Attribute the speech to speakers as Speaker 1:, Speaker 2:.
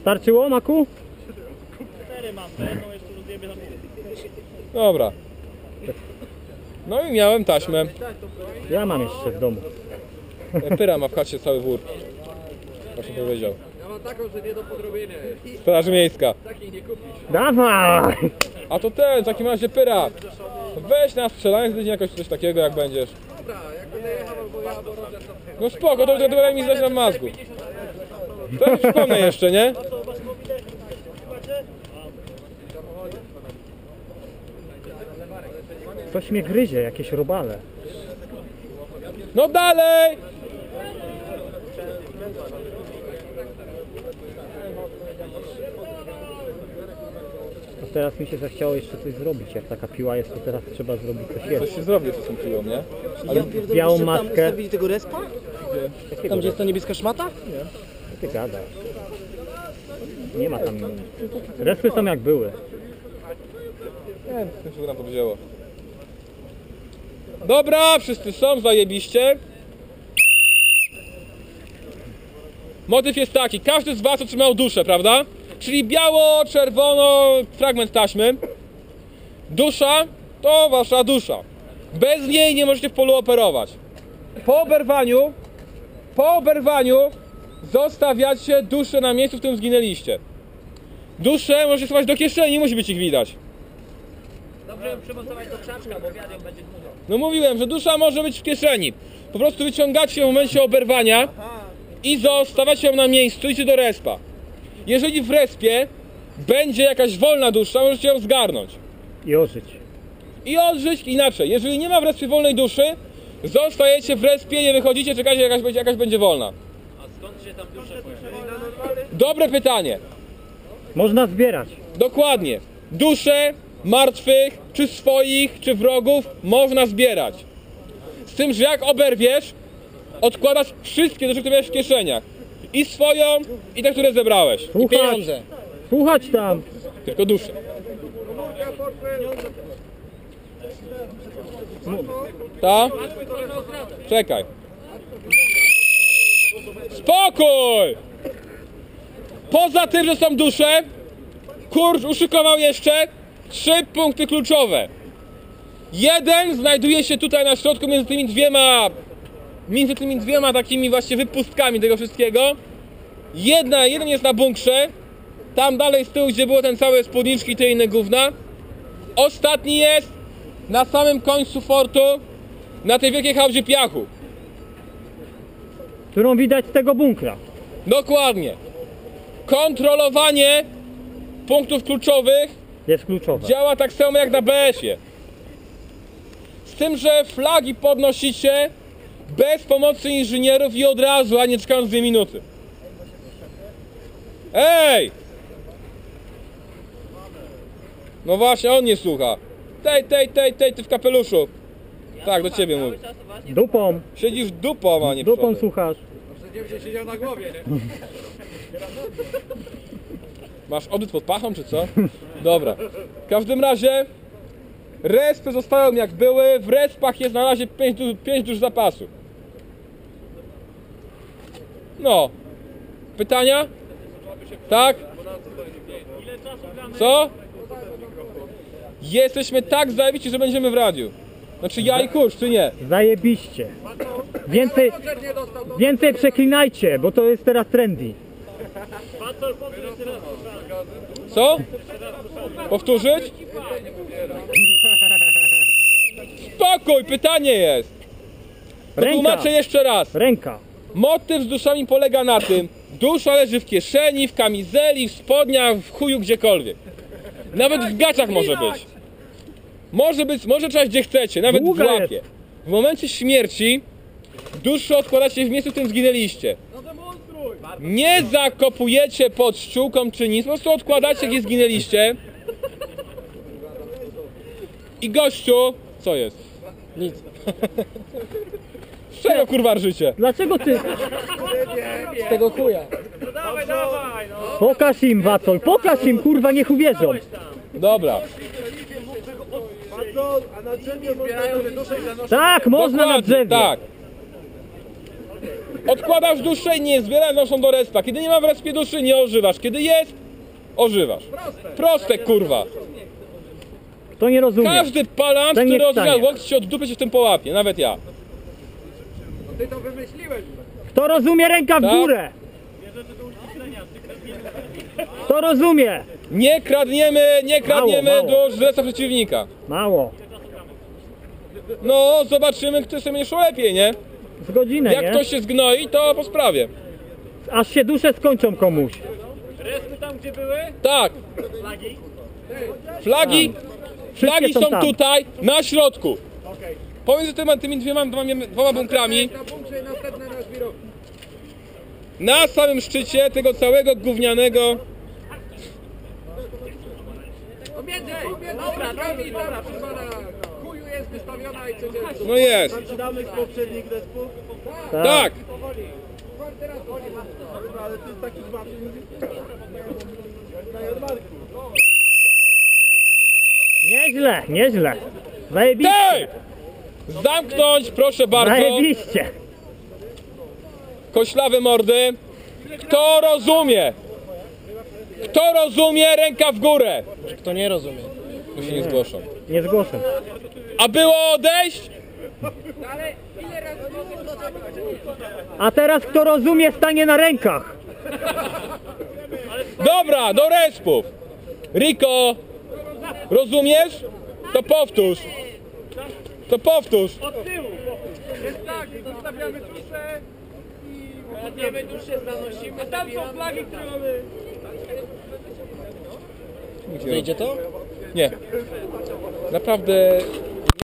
Speaker 1: Starczyło, Maku?
Speaker 2: 4 mam, to jedną jeszcze rozjebię na pół.
Speaker 3: Dobra. No i miałem taśmę.
Speaker 1: Ja mam jeszcze w domu.
Speaker 3: Pyra ma w chacie cały wór. Właśnie powiedział.
Speaker 4: Ja mam taką, że nie do podrobienia.
Speaker 3: Straż miejska.
Speaker 4: Takiej nie kupisz.
Speaker 1: Dawaj!
Speaker 3: A to ten, w takim razie Pyra. Weź na strzelanie z jakoś coś takiego jak będziesz.
Speaker 4: Dobra, jak będę jechał albo ja, albo Roger, to...
Speaker 3: No spoko, to daj mi zdać na mazgu. To ja przypomnę jeszcze, nie?
Speaker 1: Coś mnie gryzie, jakieś robale.
Speaker 3: No dalej!
Speaker 1: To teraz mi się zachciało jeszcze coś zrobić. Jak taka piła jest, to teraz trzeba zrobić coś
Speaker 3: Coś
Speaker 1: jeszcze.
Speaker 3: się zrobi z tą piłą, nie?
Speaker 5: Ale
Speaker 1: białą maskę.
Speaker 5: Tam ustawili tego respa? Tam gdzie jest ta niebieska szmata?
Speaker 1: Co ty gadasz? Nie ma tam... Respy są jak były.
Speaker 3: Nie, to się nam to wzięło. Dobra, wszyscy są, zajebiście. Motyw jest taki, każdy z was otrzymał duszę, prawda? Czyli biało, czerwono, fragment taśmy. Dusza to wasza dusza. Bez niej nie możecie w polu operować. Po oberwaniu zostawiacie duszę na miejscu, w którym zginęliście. Duszę możecie schować do kieszeni, nie musi być ich widać.
Speaker 2: Dobrze przymocować do krzaczka, bo wiadomo będzie dużo.
Speaker 3: No mówiłem, że dusza może być w kieszeni. Po prostu wyciągacie ją w momencie oberwania i zostawiacie ją na miejscu, idzie do respa. Jeżeli w respie będzie jakaś wolna dusza, możecie ją zgarnąć.
Speaker 1: I ożyć.
Speaker 3: I odżyć inaczej. Jeżeli nie ma w respie wolnej duszy, zostajecie w respie, nie wychodzicie, czekacie jakaś będzie wolna.
Speaker 2: A skąd się tam dusze pojawiają?
Speaker 3: Dobre pytanie.
Speaker 1: Można zbierać.
Speaker 3: Dokładnie. Dusze martwych, czy swoich, czy wrogów można zbierać. Z tym, że jak oberwiesz, odkładasz wszystkie dusze, które miałeś w kieszeniach. I swoją, i te, które zebrałeś.
Speaker 1: Słuchać,
Speaker 5: Pieniądze.
Speaker 1: słuchać tam.
Speaker 3: Tylko dusze. Ta? Czekaj. Spokój! Poza tym, że są dusze, Kurcz uszykował jeszcze 3 punkty kluczowe. Jeden znajduje się tutaj na środku między tymi dwiema takimi właśnie wypustkami tego wszystkiego. Jeden jest na bunkrze, tam dalej z tyłu, gdzie było ten całe spódniczki i te inne gówna. Ostatni jest na samym końcu fortu, na tej wielkiej hałdzie piachu.
Speaker 1: Którą widać z tego bunkra.
Speaker 3: Dokładnie. Kontrolowanie punktów kluczowych
Speaker 1: Jest kluczowa.
Speaker 3: działa tak samo jak na BS-ie. Z tym, że flagi podnosicie bez pomocy inżynierów i od razu, a nie czekając 2 minuty. Ej! No właśnie, on nie słucha. Ty w kapeluszu. Tak, do ciebie mówię.
Speaker 1: Dupą.
Speaker 3: Siedzisz dupą, a nie
Speaker 1: Dupą
Speaker 3: przodem.
Speaker 1: słuchasz.
Speaker 4: Przecież się siedział na głowie, nie?
Speaker 3: Masz odbyt pod pachą, czy co? Dobra. W każdym razie respy zostają jak były. W respach jest na razie 5 dusz zapasu. No. Pytania? Tak? Co? Jesteśmy tak zajebici, że będziemy w radiu. Znaczy ja i Kurcz, czy nie?
Speaker 1: Zajebiście. Więcej przeklinajcie, bo to jest teraz trendy.
Speaker 3: Co? Powtórzyć? Spokój, pytanie jest.
Speaker 1: Ręka.
Speaker 3: Tłumaczę jeszcze raz.
Speaker 1: Ręka.
Speaker 3: Motyw z duszami polega na tym, dusza leży w kieszeni, w kamizeli, w spodniach, w chuju, gdziekolwiek. Nawet w gaciach może być. Może trzymać gdzie chcecie, nawet w
Speaker 1: Długa
Speaker 3: łapie.
Speaker 1: jest.
Speaker 3: W momencie śmierci duszę odkładacie w miejscu, w którym zginęliście. Nie zakopujecie pod ściółką czy nic, po prostu odkładacie, gdzie zginęliście. I gościu... Co jest?
Speaker 5: Nic.
Speaker 3: Z czego kurwa rżycie?
Speaker 1: Dlaczego ty...
Speaker 5: Z tego chuja.
Speaker 2: Dawaj, no!
Speaker 1: Pokaż im, Wacol, pokaż im, kurwa, niech uwierzą.
Speaker 3: Dobra.
Speaker 4: A na drzewie zbierają te dusze i zanoszą.
Speaker 1: Tak, można na
Speaker 3: Dokładnie,
Speaker 1: drzewie.
Speaker 3: tak. Odkładasz duszę i nie zbierasz, noszą do respa. Kiedy nie ma w respie duszy, nie ożywasz. Kiedy jest, ożywasz. Proste, kurwa.
Speaker 1: Kto nie rozumie?
Speaker 3: Każdy palant,
Speaker 1: Ten nie
Speaker 3: który odżywa
Speaker 1: wstanie.
Speaker 3: łokcie, się od dupy się w tym połapie. Nawet ja.
Speaker 4: Ty to wymyśliłeś.
Speaker 1: Kto rozumie, ręka w
Speaker 3: Tak.
Speaker 1: górę! Kto rozumie?
Speaker 3: Nie kradniemy
Speaker 1: Mało.
Speaker 3: do żresa przeciwnika.
Speaker 1: Mało.
Speaker 3: No, zobaczymy, kto sobie nie szło lepiej, nie?
Speaker 1: Z godzinę,
Speaker 3: Jak
Speaker 1: nie?
Speaker 3: ktoś się zgnoi, to po sprawie.
Speaker 1: Aż się dusze skończą komuś.
Speaker 2: Respy tam, gdzie były?
Speaker 3: Tak. Flagi
Speaker 1: Wszystkie są tam.
Speaker 3: tutaj, na środku. Pomiędzy tymi dwoma bunkrami,
Speaker 4: Na bunkrze i następne na żwirowni.
Speaker 3: na samym szczycie tego całego gównianego.
Speaker 4: Pomiędzy bunkrami tam chyba na chuju jest wystawiona i codziennie.
Speaker 3: No jest.
Speaker 5: Zaczynamy z poprzednich respów,
Speaker 3: Tak.
Speaker 4: Czwarty raz
Speaker 5: ale to jest taki zwarty.
Speaker 1: Nieźle, nieźle. Zajebiście.
Speaker 3: Tej! Zamknąć, proszę bardzo.
Speaker 1: Zajebiście.
Speaker 3: Koślawe mordy. Kto rozumie? Kto rozumie, ręka w górę.
Speaker 5: Kto nie rozumie?
Speaker 3: Tu się nie zgłoszą.
Speaker 1: Nie zgłoszę.
Speaker 3: A było odejść?
Speaker 4: Ale ile razy
Speaker 1: A teraz kto rozumie, stanie na rękach.
Speaker 3: Dobra, do respów. Riko, rozumiesz? To powtórz. To powtórz.
Speaker 4: jest tak, zostawiamy duszę
Speaker 2: Kradniemy duszę, zanosimy. A tam są flagi, które mamy.
Speaker 5: Wyjdzie to?
Speaker 3: Nie. Naprawdę